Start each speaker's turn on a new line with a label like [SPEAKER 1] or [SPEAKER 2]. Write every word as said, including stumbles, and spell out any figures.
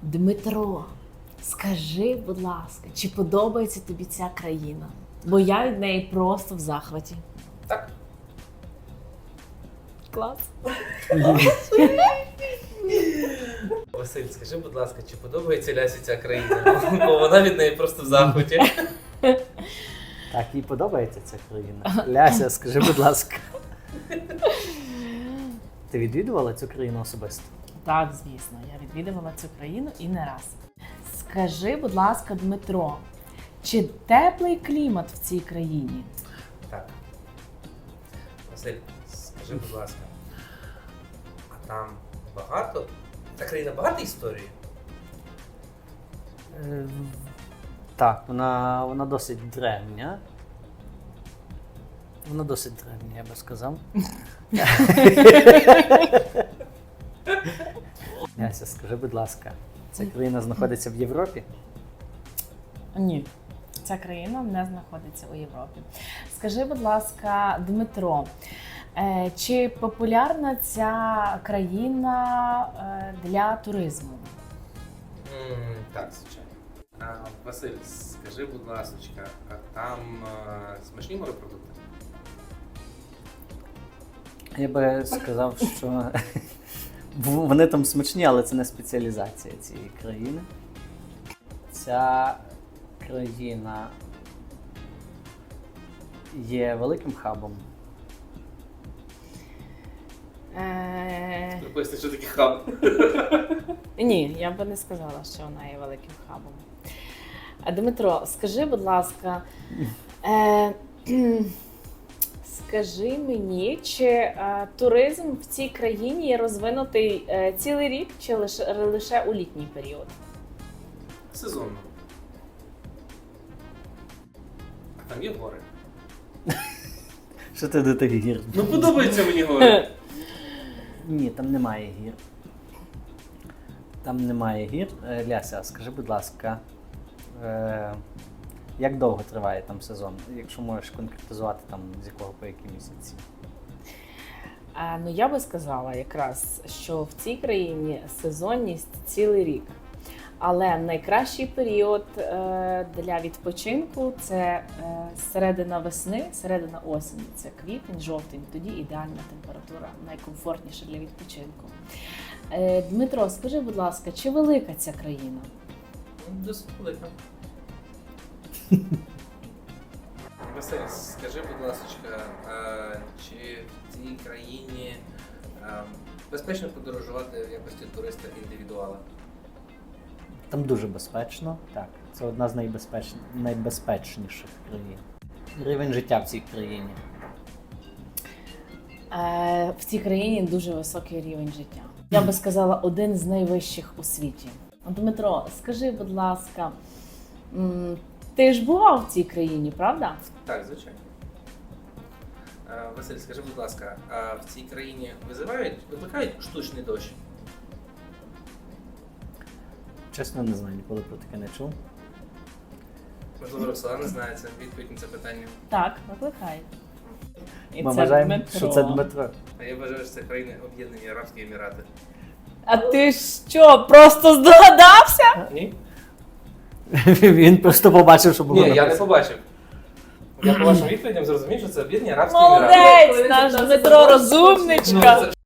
[SPEAKER 1] Дмитро, скажи, будь ласка, чи подобається тобі ця країна? Бо я від неї просто в захваті.
[SPEAKER 2] Так.
[SPEAKER 1] Клас.
[SPEAKER 2] Василь, скажи, будь ласка, чи подобається Лясі ця країна? Бо вона від неї просто в захваті.
[SPEAKER 3] Так, їй подобається ця країна. Ляся, скажи, будь ласка. Ти відвідувала цю країну особисто?
[SPEAKER 1] Так, звісно, я відвідувала цю країну і не раз. Скажи, будь ласка, Дмитро, чи теплий клімат в цій країні?
[SPEAKER 2] Так. Василь, скажи, будь ласка, а там багато? Ця країна багата історії?
[SPEAKER 3] Е, Так, вона, вона досить древня. Вона досить древня, я би сказав. Яся, скажи, будь ласка, ця країна знаходиться в Європі?
[SPEAKER 1] Ні, ця країна не знаходиться у Європі. Скажи, будь ласка, Дмитро, е, чи популярна ця країна е, для туризму?
[SPEAKER 2] М, Так, звичайно. А, Василь, скажи, будь ласка, а там а, смачні морепродукти?
[SPEAKER 3] Я би сказав, що вони там смачні, але це не спеціалізація цієї країни. Ця країна є великим хабом.
[SPEAKER 1] Е,
[SPEAKER 2] Поясни, що таке хаб?
[SPEAKER 1] Ні, я би не сказала, що вона є великим хабом. А, Дмитро, скажи, будь ласка, е, скажи мені, чи е, туризм в цій країні є розвинутий е, цілий рік чи лише, лише у літній період?
[SPEAKER 2] Сезонно. А там є гори.
[SPEAKER 3] Що ти до тих гір?
[SPEAKER 2] Ну подобаються мені гори.
[SPEAKER 3] Ні, там немає гір. Там немає гір. Е, Ляся, скажи, будь ласка, е, як довго триває там сезон? Якщо можеш конкретизувати, там з якого по які місяці?
[SPEAKER 1] Е, ну, я би сказала якраз, що в цій країні сезонність цілий рік. Але найкращий період е, для відпочинку – це е, середина весни, середина осені. Це квітень, жовтень. Тоді ідеальна температура, найкомфортніша для відпочинку. Е, Дмитро, скажи, будь ласка, чи велика ця країна?
[SPEAKER 2] Досить велика. Василь, скажи, будь ласка, а чи в цій країні а, безпечно подорожувати в якості туриста індивідуала?
[SPEAKER 3] Там дуже безпечно, так. Це одна з найбезпеч... найбезпечніших країн. Рівень життя в цій країні.
[SPEAKER 1] Е, в цій країні дуже високий рівень життя. Я би сказала, один з найвищих у світі. Дмитро, скажи, будь ласка, м, ти ж бував в цій країні, правда?
[SPEAKER 2] Так, звичайно. А, Василь, скажи, будь ласка, а в цій країні визивають, викликають штучний дощ?
[SPEAKER 3] Чесно, не знаю, ніколи про таке не чув.
[SPEAKER 2] Можливо, Роксолана знає це відповідь на це питання.
[SPEAKER 1] Так, викликай. І
[SPEAKER 3] Ми
[SPEAKER 1] це
[SPEAKER 3] вважаємо,
[SPEAKER 1] Дмитро.
[SPEAKER 3] що це Дмитро.
[SPEAKER 2] А я вважаю, що це країни Об'єднані Арабські Емірати.
[SPEAKER 1] А ти що, просто здогадався?
[SPEAKER 2] Ні?
[SPEAKER 3] Він просто побачив, що було
[SPEAKER 2] Ні, я не
[SPEAKER 3] написано.
[SPEAKER 2] побачив. Я по вашим відповідям зрозумів, що це Об'єднані Арабські Емірати.
[SPEAKER 1] Молодець, наш Дмитро розумничка.
[SPEAKER 2] Ну, це